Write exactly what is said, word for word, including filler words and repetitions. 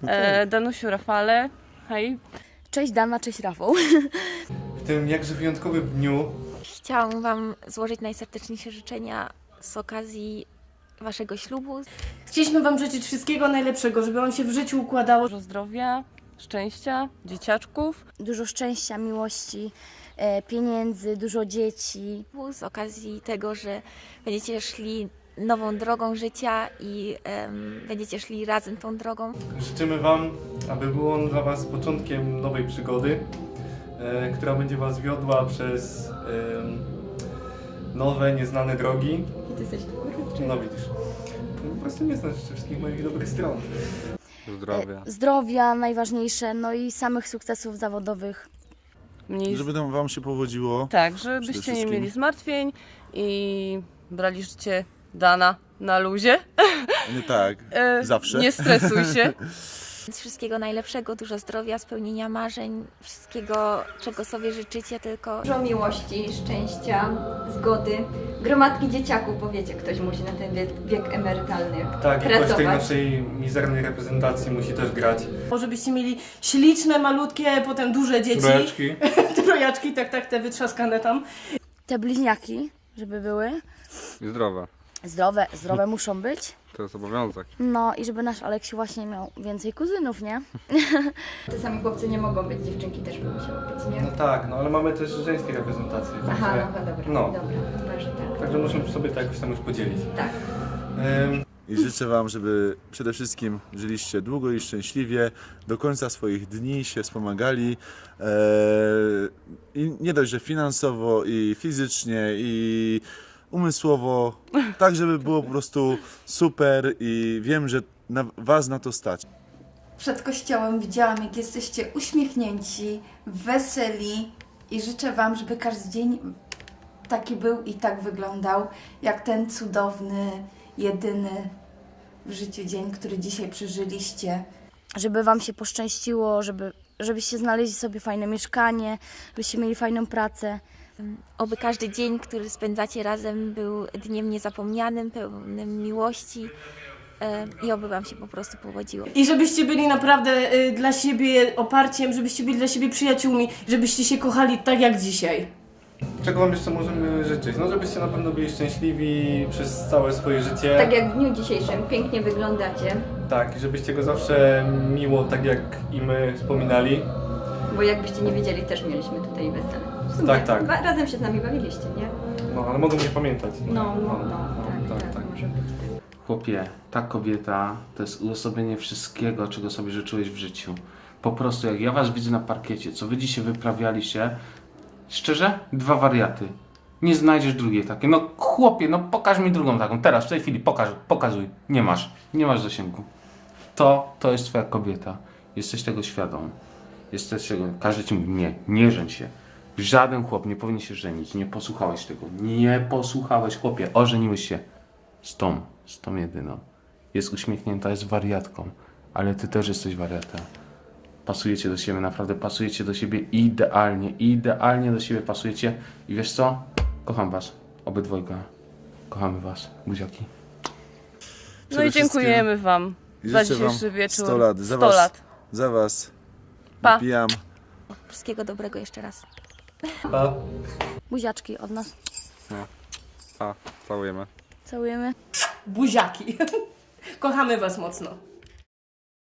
E, Danusiu, Rafale, hej. Cześć Dana, cześć Rafał. W tym jakże wyjątkowym dniu Chciałam Wam złożyć najserdeczniejsze życzenia z okazji Waszego ślubu. Chcieliśmy Wam życzyć wszystkiego najlepszego, żeby on się w życiu układało. Dużo zdrowia, szczęścia, dzieciaczków. Dużo szczęścia, miłości, e, pieniędzy, dużo dzieci. Z okazji tego, że będziecie szli nową drogą życia i em, będziecie szli razem tą drogą. życzymy Wam, aby był on dla Was początkiem nowej przygody, e, która będzie Was wiodła przez e, nowe, nieznane drogi. I Ty jesteś No widzisz, po prostu nie znasz wszystkich moich dobrych stron. Zdrowia. E, zdrowia najważniejsze, no i samych sukcesów zawodowych. Mniej... Żeby tam wam się powodziło. Tak, Przede żebyście nie wszystkim. mieli zmartwień i brali życie Dana na luzie. Nie tak, E, zawsze. Nie stresuj się. Więc wszystkiego najlepszego, dużo zdrowia, spełnienia marzeń, wszystkiego, czego sobie życzycie, tylko Dużo miłości, szczęścia, zgody, gromadki dzieciaków, bo wiecie, ktoś musi na ten wiek, wiek emerytalny Tak, i ktoś w tej pracować. naszej mizernej reprezentacji musi też grać. Żebyście mieli śliczne, malutkie, potem duże dzieci. Trójeczki. Te trojaczki, tak, tak, te wytrzaskane tam. Te bliźniaki, żeby były I zdrowa. zdrowe, zdrowe muszą być. To jest obowiązek. No i żeby nasz Aleksiu właśnie miał więcej kuzynów, nie? Czasami chłopcy nie mogą być, dziewczynki też by musiały być, nie? No tak, no ale mamy też żeńskie reprezentacje. Aha, także- no dobra, no. dobra, chyba, że tak. Także musimy sobie to jakoś tam już podzielić. Tak. Ym, I życzę wam, żeby przede wszystkim żyliście długo i szczęśliwie, do końca swoich dni się wspomagali. Eee, I nie dość, że finansowo, i fizycznie, i umysłowo, tak żeby było po prostu super i wiem, że na, was na to stać. Przed kościołem widziałam, jak jesteście uśmiechnięci, weseli i życzę Wam, żeby każdy dzień taki był i tak wyglądał, jak ten cudowny, jedyny w życiu dzień, który dzisiaj przeżyliście. Żeby wam się poszczęściło, żeby, żebyście znaleźli sobie fajne mieszkanie, żebyście mieli fajną pracę. oby każdy dzień, który spędzacie razem, był dniem niezapomnianym, pełnym miłości e, i oby Wam się po prostu powodziło. I żebyście byli naprawdę y, dla siebie oparciem, żebyście byli dla siebie przyjaciółmi, żebyście się kochali tak jak dzisiaj. Czego Wam jeszcze możemy życzyć? No żebyście na pewno byli szczęśliwi przez całe swoje życie. Tak jak w dniu dzisiejszym, pięknie wyglądacie, Tak, i żebyście go zawsze miło, tak jak i my wspominali. bo jakbyście nie wiedzieli, też mieliśmy tutaj wesele. W sumie Tak, tak. Ba- razem się z nami bawiliście, nie? No, ale mogą nie pamiętać. No, no, no, tak, tak, tak, tak. może być tak. Chłopie, ta kobieta to jest uosobienie wszystkiego, czego sobie życzyłeś w życiu. Po prostu jak ja was widzę na parkiecie, co wy dzisiaj wyprawialiście, szczerze, dwa wariaty. Nie znajdziesz drugiej takiej. No chłopie, no pokaż mi drugą taką. Teraz, w tej chwili, pokaż, pokazuj. Nie masz, nie masz zasięgu. To, to jest twoja kobieta. Jesteś tego świadom. Jesteś tego, każdy ci mówi, nie, nie żeń się. Żaden chłop nie powinien się żenić. Nie posłuchałeś tego. Nie posłuchałeś, chłopie. Ożeniłeś się z tą, z tą jedyną. Jest uśmiechnięta, jest wariatką. Ale ty też jesteś wariatem. Pasujecie do siebie, naprawdę pasujecie do siebie idealnie. Idealnie do siebie pasujecie. I wiesz co? Kocham was. Obydwojga. Kochamy was. Buziaki. No Przede i dziękujemy wam I za życzę wam dzisiejszy wieczór. sto lat. Za sto was, lat. za was Pa. napijam. Wszystkiego dobrego jeszcze raz. Pa. Buziaczki od nas. A, całujemy. Całujemy. Buziaki. Kochamy Was mocno.